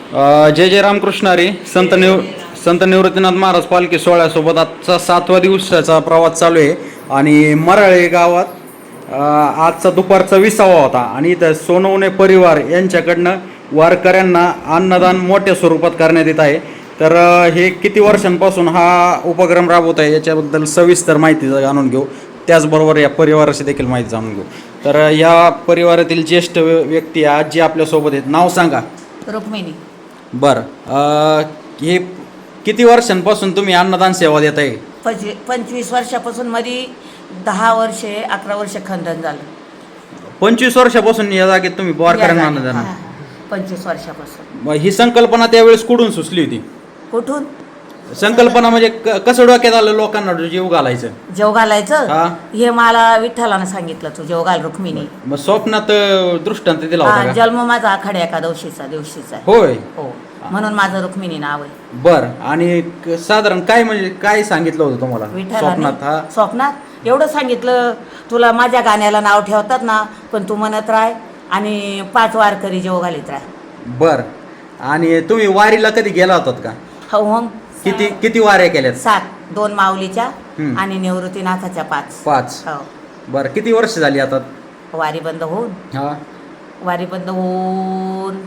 जय जय रामकृष्ण हरी. संत निवृत्तीनाथ महाराज पालखी सोहळ्यासोबत आजचा 7वा दिवसाचा प्रवास चालू आहे आणि मराळे गावात आजचा दुपारचा 20वा होता आणि इथं सोनवणे परिवार यांच्याकडनं वारकऱ्यांना अन्नदान मोठ्या स्वरूपात करण्यात येत आहे. तर हे किती वर्षांपासून हा उपक्रम राबवत आहे याच्याबद्दल सविस्तर माहिती जाणून घेऊ. त्याचबरोबर या परिवाराची देखील माहिती जाणून घेऊ. तर या परिवारातील ज्येष्ठ व्यक्ती आजी आपल्यासोबत आहेत. नाव सांगा. रुक्मिणी. बरं, हे किती वर्षांपासून तुम्ही अन्नदान सेवा देत आहे? 25 वर्षापासून मध्ये 10 वर्षे 11 वर्ष खंडन झालं. 25 वर्षापासून या जागेत तुम्ही वारकऱ्यांना अन्नदान. 25 वर्षापासून. मग ही संकल्पना त्यावेळेस कुठून सुचली होती? कुठून संकल्पना म्हणजे कसं डोक्यात आलं लोकांना जीव घालायचं? जेव घालायचं हा. हे मला विठ्ठलानं सांगितलं, तू जेव घाल रुक्मिणी. मग स्वप्नात दृष्टांत दिला होता का? जन्म माझा आखाड्या एकादशीचा आहे. होय. हो, म्हणून माझं रुक्मिणी नाव आहे. बर. आणि साधारण काय म्हणजे काय सांगितलं होतं तुम्हाला स्वप्नात? हा, स्वप्नात एवढं सांगितलं, तुला माझ्या गाण्याला नाव ठेवतात ना, पण तू म्हणत राह आणि 5 वारकरी जेव घालीत राह. बर. आणि तुम्ही वारीला कधी गेला होतात का? हो. मग किती वाऱ्या केल्यात? 7, 2 माऊलीच्या आणि निवृत्तीनाथाच्या 5. हो. बर. किती वर्ष झाली आता वारी बंद होऊन? हा, वारी बंद होऊन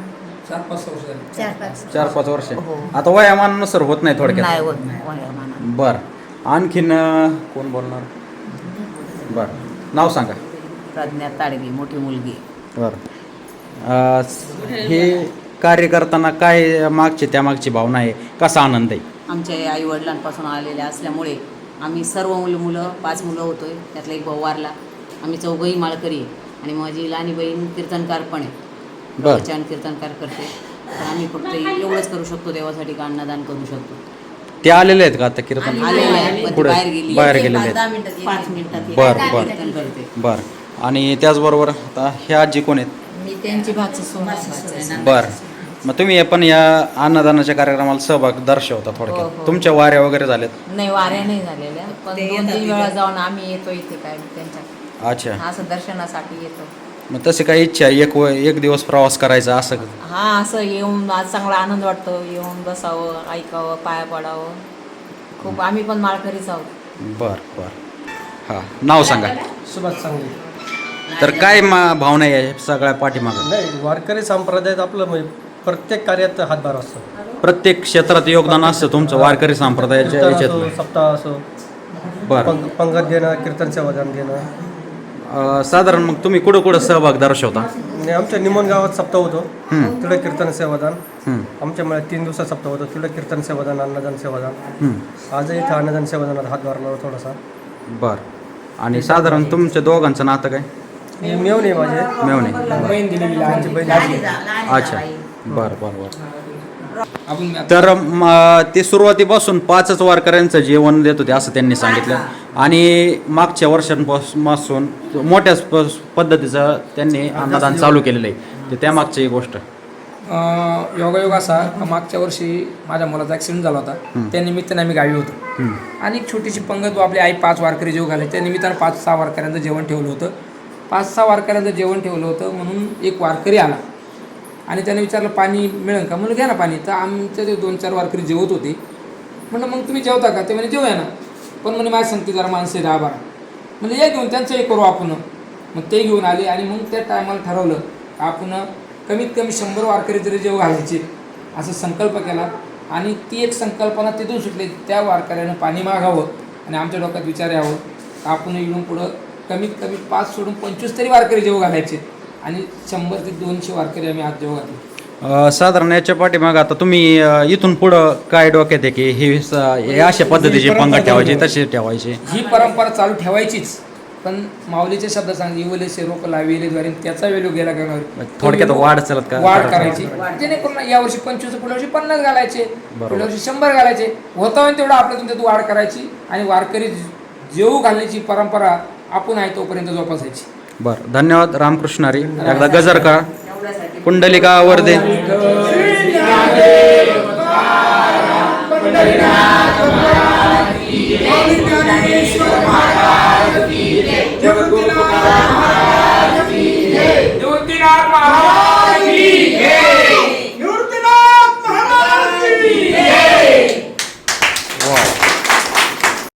4-5 वर्ष. हो. आता वयामानानुसार होत नाही थोडक्यात? नाही होत वयामानानं. बर. आणखीन कोण बोलणार? बर, नाव सांगा. प्रज्ञा ताडगी, मोठी मुलगी. बर. हे कार्य करताना काय त्यामागची भावना आहे? कसा आनंद आहे? आमच्या आई वडिलांपासून आलेल्या असल्यामुळे आम्ही सर्व मुलं 5 मुलं होतोय. त्यातला एक भाऊ वारला. आम्ही 4घंही माळकरी आहे आणि माझी लहानी बहीण कीर्तनकार पण आहे. प्रवचन कीर्तनकार करते. तर आम्ही फक्त एवढंच करू शकतो देवासाठी, का अन्नदान करू शकतो. ते आलेले आहेत का आता कीर्तन? आलेले आहेत, पण पुढे बाहेर गेलेले आहेत. 5 मिनिटात बरं. कीर्तन करते. बर. आणि त्याचबरोबर आता ह्या आजी कोण आहेत? मी त्यांची भाची. बर. मग तुम्ही पण या अन्नदानाच्या कार्यक्रमाला सहभाग दर्शवता थोडक्यात? हो. तुमच्या वाऱ्या वगैरे झाल्यात? नाही, वाऱ्या नाही झालेल्या, पण 2-3 वेळा जाऊन आम्ही येतो इथे काय त्यांच्या अच्छा. असं दर्शनासाठी येतो. मग तशी काही इच्छा आहे एक दिवस प्रवास करायचा असं? असं येऊन आज चांगला आनंद वाटतो. येऊन बसावं, ऐकावं, पाया पडावं. खूप आम्ही पण माळकरीच आहोत. बर. हां, नाव सांगा. सुभाष सांगली. तर काय भावना आहे सगळ्या पाठीमागं? नाही, वारकरी संप्रदायात आपलं म्हणजे प्रत्येक कार्यात हातभार असतो. प्रत्येक क्षेत्रात योगदान असतं तुमचं वारकरी संप्रदायाच्या कीर्तन असो, याच्यात? सप्ताह असो, बरं. पंगत घेणं, कीर्तन सेवादान घेणं. साधारण मग तुम्ही कुठं सहभाग दर्शवता? आणि आमच्या निमोन गावात सप्ताह होतो, तिकडे कीर्तन सेवादान. आमच्या मला 3 दिवसात सप्ताह होतो, तिकडे कीर्तन सेवादान, अन्नदान सेवादान. आजही इथं अन्नदान सेवादानात हातभार लावला थोडासा. बर. आणि साधारण तुमच्या दोघांचं नातं काय? मेवणे माझे मेवणे. बहीण दिलेली आमची बहीण आहे. अच्छा. बर. तर ते सुरुवातीपासून 5च वारकऱ्यांचं जेवण देत होते असं त्यांनी सांगितलं आणि मागच्या वर्षांपासून मोठ्या पद्धतीचं त्यांनी अन्नदान चालू केलेलं आहे. त्या मागची गोष्ट योगायोग असा, मागच्या वर्षी माझ्या मुलाचा ॲक्सिडेंट झाला होता. त्या निमित्ताने आम्ही गावी होतो आणि एक छोटीशी पंगत आपली आई 5 वारकरी जेव घालायचे. त्या निमित्तानं 5-6 वारकऱ्यांचं जेवण ठेवलं होतं. 5-6 वारकऱ्यांचं जेवण ठेवलं होतं म्हणून एक वारकरी आला आणि त्याने विचारलं पाणी मिळेल का? म्हणून घ्या ना पाणी. तर आमच्या ते 2-4 वारकरी जेवत होते. म्हणलं मग तुम्ही जेवता का? ते म्हणे जेवूया ना, पण म्हणे माझ्या सांगते जरा माणसे 10-12. म्हणजे या घेऊन त्यांचं करू आपण. मग ते घेऊन आले आणि मग त्या टायमाला ठरवलं आपण कमीत कमी 100 वारकरी तरी जेव घालायचे असं संकल्प केला. आणि ती एक संकल्पना तिथून सुटली. त्या वारकऱ्यानं पाणी मागावं आणि आमच्या डोक्यात विचार यावं, आपण इकडून पुढं कमीत कमी 5 सोडून 25 तरी वारकरी जेव घालायचे आणि 100 ते 200 वारकरी आम्ही आज जेव घातले. साधारण याच्या पाठीमागं आता तुम्ही इथून पुढं काय डोक्यात आहे की हे अशा पद्धतीची पंगत ठेवायची, तशी ठेवायची? ही परंपरा चालू ठेवायचीच, पण माऊलीचे शब्द सांग इवलेसे रोप लाविले द्वारे त्याचा वेल्यू गेला करणार. थोडक्यात वाढ चालत का? वाढ करायची, जेणेकरून यावर्षी 25, पुढल्या वर्षी 50 घालायचे, पुढल्या वर्षी 100 घालायचे. होता होईल तेवढं आपल्या तुमच्यात वाढ करायची आणि वारकरी जेवू घालण्याची परंपरा आपण आहे तोपर्यंत जोपासायची. बरं. धन्यवाद. रामकृष्ण हरी. एकदा गजर का पुंडलिका वरदे. निवृत्तीनाथ महाराज की जय. निवृत्तीनाथ वा